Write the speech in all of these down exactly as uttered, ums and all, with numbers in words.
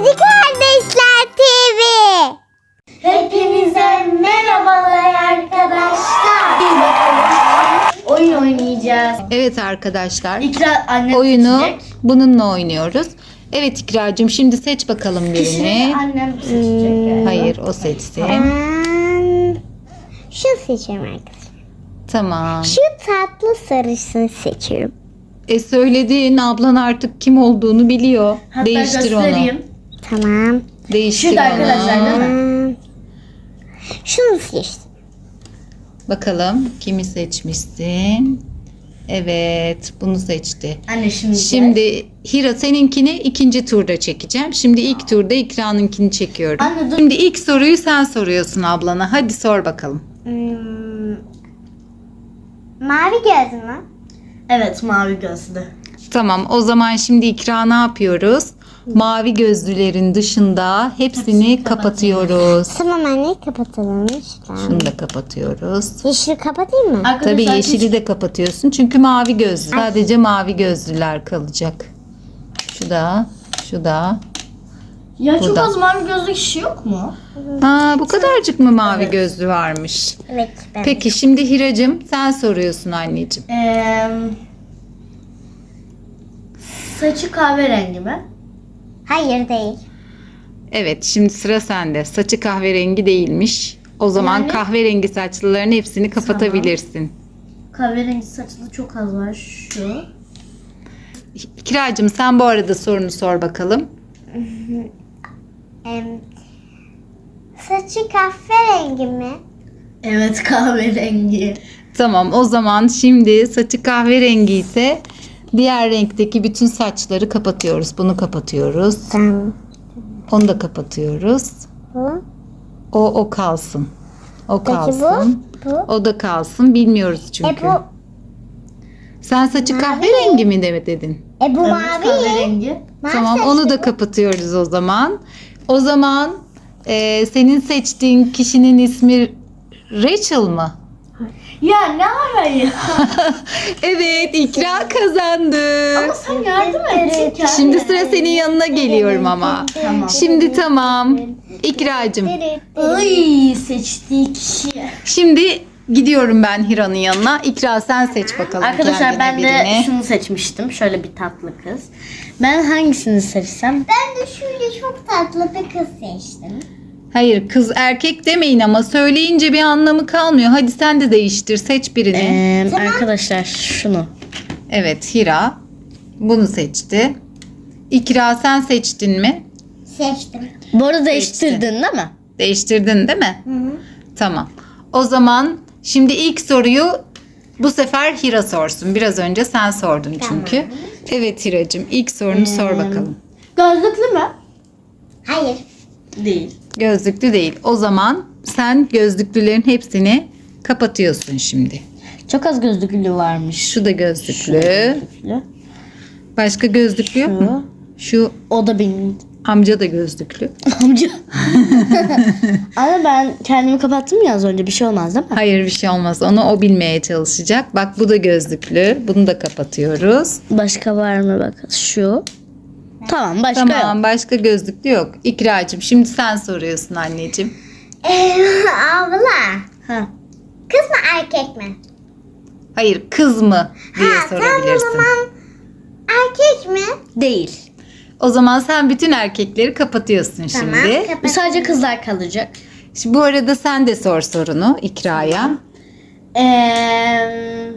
Kedi Kardeşler T V. Hepinize merhabalar arkadaşlar. Oyun oynayacağız. Evet arkadaşlar. İkra annem Oyunu seçecek. bununla oynuyoruz. Evet İkracığım, şimdi seç bakalım birini. Kişini annem seçecek yani. Hayır, o seçsin. Ben şu seçiyorum arkadaşlar. Tamam. Şu tatlı sarısını seçiyorum. E söyledin, ablan artık kim olduğunu biliyor. Hatta Değiştir onu. göstereyim. Tamam. Değiştir Şurada onu. arkadaşlar değil mi? Hmm. Şunu seçtim. Bakalım kimi seçmişsin. Evet, bunu seçti. Anne şimdi. Şimdi Hira, seninkini ikinci turda çekeceğim. Şimdi ilk turda İkra'nınkini çekiyorum. Anne dur. Şimdi ilk soruyu sen soruyorsun ablana. Hadi sor bakalım. Hmm. Mavi göz mü? Evet, mavi gözlü. Tamam, o zaman şimdi İkra ne yapıyoruz? Mavi gözlülerin dışında hepsini Hepsini kapatıyoruz. Tamam anne, kapatalım. Şuradan. Şunu da kapatıyoruz. Yeşili kapatayım mı? Arkadaşlar Tabii hiç- yeşili de kapatıyorsun çünkü mavi gözlü. Sadece mavi gözlüler kalacak. Şu da, şu da. Ya çok Burada. az mavi gözlü kişi yok mu? Ha, bu kadarcık mı mavi Evet. gözlü varmış? Evet. Ben. Peki şimdi Hiracığım sen soruyorsun anneciğim. Ee, saçı kahverengi mi? Hayır değil. Evet, şimdi sıra sende. Saçı kahverengi değilmiş. O zaman Yani- kahverengi saçlıların hepsini kapatabilirsin. Kahverengi saçlı çok az var. Şu. Kiracığım sen bu arada sorunu sor bakalım. Em, saçı kahverengi mi? Evet, kahverengi. Tamam, o zaman şimdi saçı kahverengi ise diğer renkteki bütün saçları kapatıyoruz. Bunu kapatıyoruz. Tamam. Onu da kapatıyoruz. Bu. O o kalsın. O Peki kalsın. bu? Bu. O da kalsın. Bilmiyoruz E çünkü. bu. Sen saçı kahverengi mi de dedin? E bu Evet, mavi. kahverengi. Mavi Tamam, saçlı onu da bu. kapatıyoruz o zaman. O zaman e, senin seçtiğin kişinin ismi Rachel mı? Ya ne ara ya? Evet, İkra kazandı. Ama sen yardım et. kendine. Şimdi sıra senin yanına geliyorum ama. Tamam. Şimdi tamam. İkracığım. Ay, seçtiği kişi. Şimdi gidiyorum ben Hira'nın yanına. İkra sen seç bakalım Arkadaşlar ben kendine de birini. şunu seçmiştim. Şöyle bir tatlı kız. Ben hangisini seçsem? Ben de şöyle çok tatlı bir kız seçtim. Hayır, kız erkek demeyin ama söyleyince bir anlamı kalmıyor. Hadi sen de değiştir, seç birini. Ee, Arkadaşlar şunu. Evet, Hira bunu seçti. İkra sen seçtin mi? Seçtim. Bu arada değiştirdin değil mi? Değiştirdin değil mi? Hı hı. Tamam. O zaman şimdi ilk soruyu bu sefer Hira sorsun. Biraz önce sen sordun çünkü. Evet Hiracığım, ilk sorunu sor bakalım. Gözlüklü mü? Hayır. Değil. Gözlüklü değil. O zaman sen gözlüklülerin hepsini kapatıyorsun şimdi. Çok az gözlüklü varmış. Şu da gözlüklü. Gözlüklü. Başka gözlüklü yok Şu. mu? Şu O da benim amca da gözlüklü. amca. Ama ben kendimi kapattım ya az önce, bir şey olmaz değil mi? Hayır, bir şey olmaz. Onu o bilmeye çalışacak. Bak bu da gözlüklü. Bunu da kapatıyoruz. Başka var mı bak? Şu. Tamam, başka Tamam, yok. başka gözlüklü yok. İkracığım şimdi sen soruyorsun anneciğim. Ee, abla. Ha. Kız mı erkek mi? Hayır, kız mı diye Ha, tamam o sorabilirsin. zaman erkek mi? Değil. O zaman sen bütün erkekleri kapatıyorsun Tamam. şimdi. kapat- Sadece kızlar kalacak. Şimdi bu arada sen de sor sorunu İkra'ya. Ee,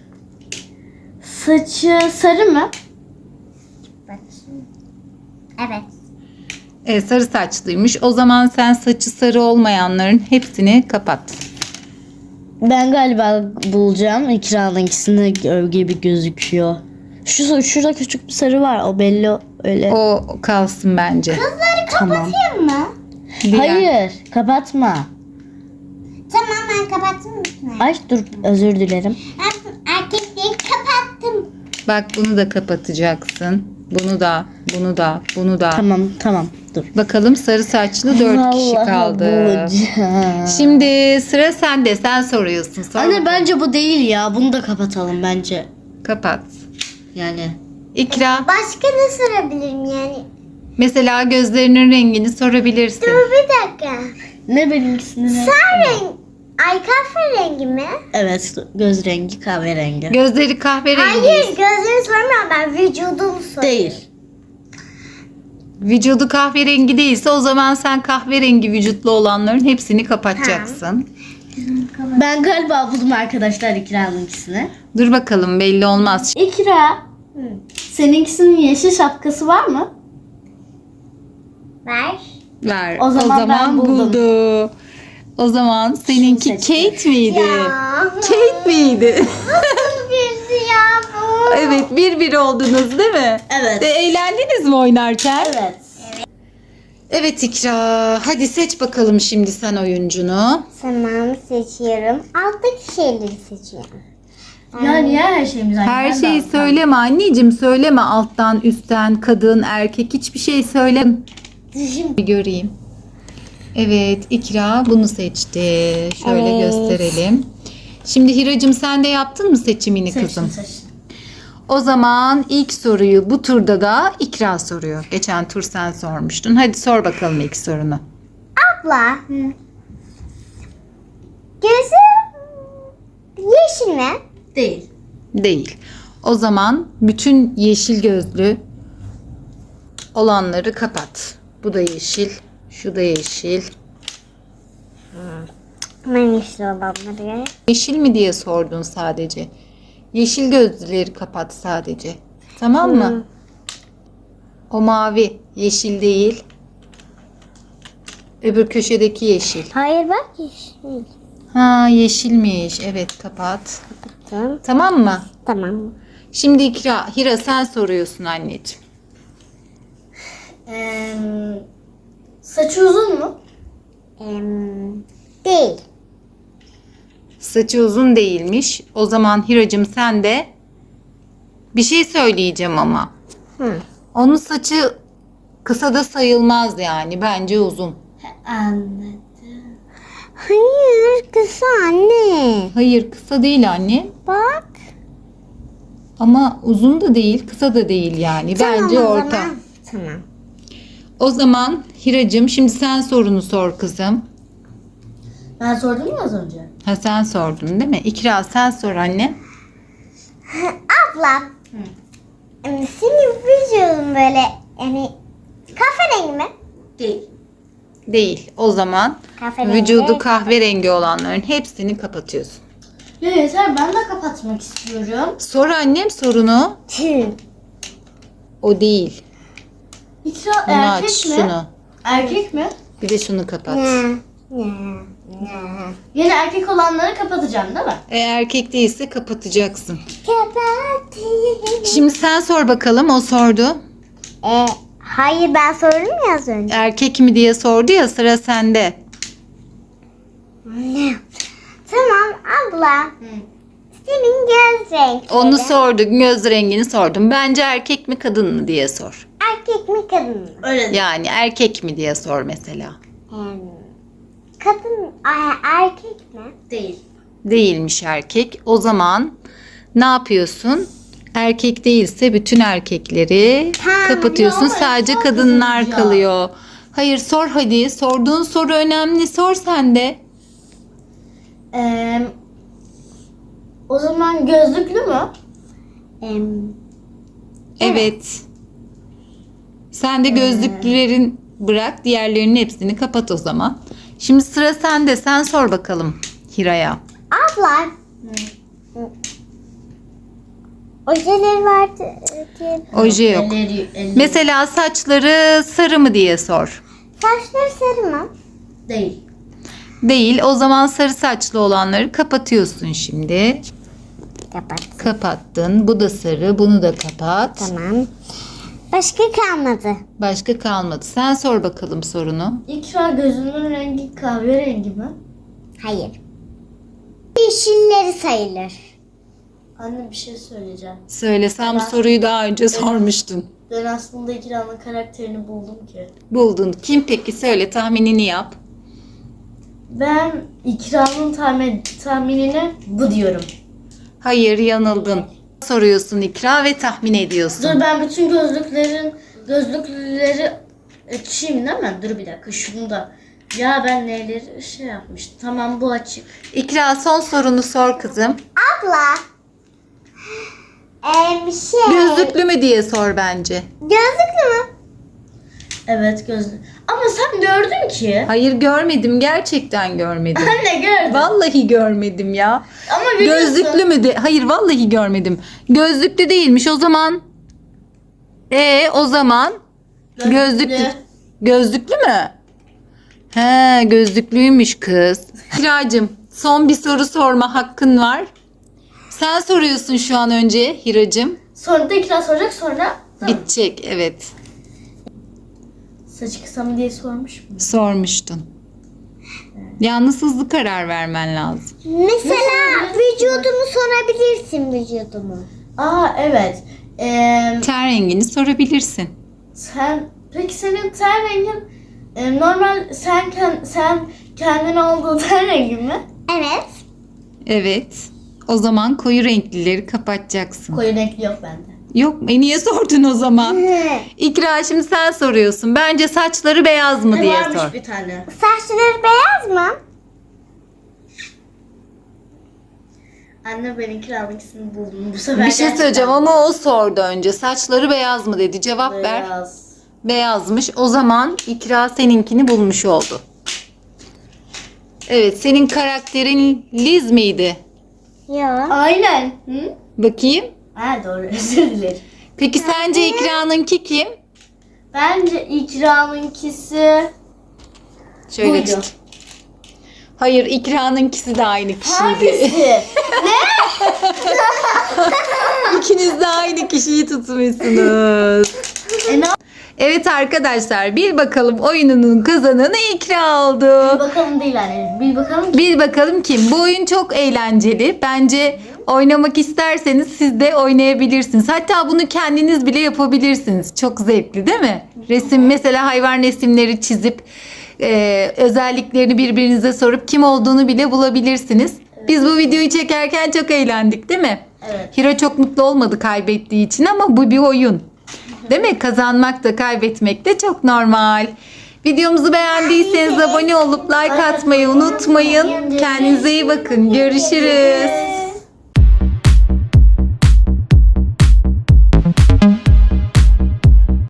saçı sarı mı? Bakayım. Evet. E, sarı saçlıymış. O zaman sen saçı sarı olmayanların hepsini kapat. Ben galiba bulacağım. İkranınkisinde gibi gözüküyor. Şu şurada küçük bir sarı var. O belli öyle. O kalsın bence. Tamam. Kapatayım mı? Diğer- Hayır, kapatma. Tamam, ben kapattım mı? Ay dur, özür dilerim. Ben erkekliği kapattım. Bak bunu da kapatacaksın. Bunu da, bunu da, bunu da. Tamam, tamam. Dur. Bakalım sarı saçlı dört kişi Vallahi kaldı. bulacağım. Şimdi sıra sende. Sen soruyorsun. Sor Anne bakalım. bence bu değil ya. Bunu da kapatalım bence. Kapat. Yani. İkra. Başka ne sorabilirim yani? Mesela gözlerinin rengini sorabilirsin. Dur bir dakika. Ne benimkisinin rengi? Sen renk. Ay kahverengi mi? Evet, göz rengi kahverengi. Gözleri kahverengi. Hayır gözlerini sormuyorum ben vücudunu soruyorum. Değil. Vücudu kahverengi değilse o zaman sen kahverengi vücutlu olanların hepsini kapatacaksın. Ben galiba buldum arkadaşlar İkra'nınkisini. Dur bakalım, belli olmaz. İkra, seninkisinin yeşil şapkası var mı? Ver. Ver. O zaman ben buldum. buldu. O zaman seninki seçtim. Kate miydi? Ya. Kate miydi? Nasıl bir ya bu? Evet, bir bir oldunuz değil mi? Evet. Ve eğlendiniz mi oynarken? Evet. Evet İkra. Hadi seç bakalım şimdi sen oyuncunu. Tamam seçiyorum. Alttaki şeyleri seçiyorum. Ya niye her şeyimiz aynı? Her Ben de şeyi aldım. söyleme anneciğim. Söyleme alttan, üstten, kadın, erkek hiçbir şey söyleme. Bir göreyim. Evet, İkra bunu seçti. Şöyle Evet. gösterelim. Şimdi Hiracığım sen de yaptın mı seçimini Seçtim, kızım? seçtim. O zaman ilk soruyu bu turda da İkra soruyor. Geçen tur sen sormuştun. Hadi sor bakalım ilk sorunu. Abla. Gözü yeşil mi? Değil. Değil. O zaman bütün yeşil gözlü olanları kapat. Bu da yeşil, şu da yeşil. Ben yeşil olanları. Yeşil mi diye sordun sadece. Yeşil gözlüleri kapat sadece. Tamam mı? O mavi, yeşil değil. Öbür köşedeki yeşil. Hayır bak yeşil. Ha, yeşilmiş. Evet, kapat. Tamam. Tamam mı? Tamam. Şimdi İkra, Hira sen soruyorsun anneciğim. Ee, saçı uzun mu? Em, değil. Saçı uzun değilmiş. O zaman Hiracığım sen de bir şey söyleyeceğim ama. Hı. Onun saçı kısa da sayılmaz yani. Bence uzun. Anladım. Hayır kısa anne. Hayır, kısa değil anne. Bak. Ama uzun da değil, kısa da değil yani. Bence Tamam o orta. zaman. Tamam. O zaman Hiracığım şimdi sen sorunu sor kızım. Ben sordum mu az önce? Ha, sen sordun değil mi? İkra sen sor anne. Abla. em, Senin vücudun böyle yani kahverengi mi? Değil. Değil. O zaman Kahverengi. vücudu kahverengi olanların hepsini kapatıyorsun. Ya yeter, ben de kapatmak istiyorum. Sor annem sorunu. Tüh. O değil. İkra Bunu erkek aç mi? şunu. Erkek mi? Bir de şunu kapat. Ne? Ne? Ne? Yine erkek olanları kapatacağım değil mi? E, erkek değilse kapatacaksın. Kapatayım. Şimdi sen sor bakalım. O sordu. E, hayır ben sordum ya az önce. Erkek mi diye sordu ya, sıra sende. Ne? Tamam abla. Senin göz renkleri. Onu sorduk. Göz rengini sordum. Bence erkek mi kadın mı diye sor. Erkek mi kadın mı? Öyle değil. Yani erkek mi diye sor mesela. Em, kadın ay, erkek mi? Değil. Değilmiş erkek. O zaman ne yapıyorsun? Erkek değilse bütün erkekleri Ha, kapatıyorsun. ya, Sadece çok kadınlar uzun ya. kalıyor. Hayır sor hadi. Sorduğun soru önemli. Sor sen de. Ee, o zaman gözlüklü mü? Em, Evet. Sen de gözlüklülerin bırak. Diğerlerinin hepsini kapat o zaman. Şimdi sıra sende. Sen sor bakalım Hira'ya. abla. Ojeleri vardı diye. Oje yok. Elleri, elleri. Mesela saçları sarı mı diye sor. Saçları sarı mı? Değil. Değil. O zaman sarı saçlı olanları kapatıyorsun şimdi. Kapat. Kapattın. Bu da sarı. Bunu da kapat. Tamam. Başka kalmadı. Başka kalmadı. Sen sor bakalım sorunu. İkra gözünün rengi kahverengi mi? Hayır. Yeşilleri sayılır. Anne bir şey söyleyeceğim. Söylesem bu soruyu daha önce sormuştun. Ben aslında İkra'nın karakterini buldum ki. Buldun. Kim peki? Söyle, tahminini yap. Ben İkra'nın tahmin, tahminine bu diyorum. Hayır, yanıldın. Soruyorsun İkra ve tahmin ediyorsun. Dur ben bütün gözlüklerin gözlükleri Açayım değil mi? Dur bir dakika şunu da. Ya ben neleri şey yapmıştım. Tamam bu açık. İkra son sorunu sor kızım. Abla. Ee, şey. Gözlüklü mü diye sor bence. Gözlüklü mü? Evet gözlü. Ama sen gördün ki. Hayır görmedim, gerçekten görmedim. Anne gördüm. Vallahi görmedim ya. Ama biliyorsun. Gözlüklü mü de? Hayır vallahi görmedim. Gözlüklü değilmiş o zaman. E o zaman gözlüklü. Gözlüklü mü? He gözlüklüymüş kız. Hiracığım son bir soru sorma hakkın var. Sen soruyorsun şu an önce Hiracığım. Sonra da ikna soracak sonra. Bitecek evet. Saçı kısa mı diye sormuş mu? Sormuştun. Yalnız hızlı karar vermen lazım. Mesela vücudumu sorabilirsin vücudumu. Aa evet. Ee, Ten rengini sorabilirsin. sen peki senin ten rengin e, normal sen kend- sen kendin olduğu ten rengin mi? Evet. Evet. O zaman koyu renklileri kapatacaksın. Koyu renkli yok bende. Yok e niye sordun o zaman? İkra şimdi sen soruyorsun. Bence saçları beyaz mı Ne diye varmış sor. bir tane. Saçları beyaz mı? Anne ben ikramikisini buldum bu sefer. Bir şey gerçekten söyleyeceğim ama o sordu önce. Saçları beyaz mı dedi. Cevap ver. beyaz. Beyazmış. O zaman İkra seninkini bulmuş oldu. Evet senin karakterin Liz miydi? Yok. Aynen. Hı? Bakayım. Ha doğru özür dilerim. Peki sence İkra'nınki kim? Bence ikramınkisi Şöyle buydu. tut. Hayır İkra'nınkisi de aynı kişiydi. Hangisi? İkiniz de aynı kişiyi tutmuşsunuz. e, ne Evet arkadaşlar bil bakalım oyununun kazananı İkra oldu. Bir bakalım değil anne. Bir bakalım ki. Bil bakalım kim? Bu oyun çok eğlenceli. Bence oynamak isterseniz siz de oynayabilirsiniz. Hatta bunu kendiniz bile yapabilirsiniz. Çok zevkli değil mi? Resim mesela hayvan resimleri çizip e, özelliklerini birbirinize sorup kim olduğunu bile bulabilirsiniz. Biz bu videoyu çekerken çok eğlendik değil mi? Evet. Hira çok mutlu olmadı kaybettiği için ama bu bir oyun. Değil mi? Kazanmak da kaybetmek de çok normal. Videomuzu beğendiyseniz abone olup like atmayı unutmayın. Kendinize iyi bakın. Görüşürüz.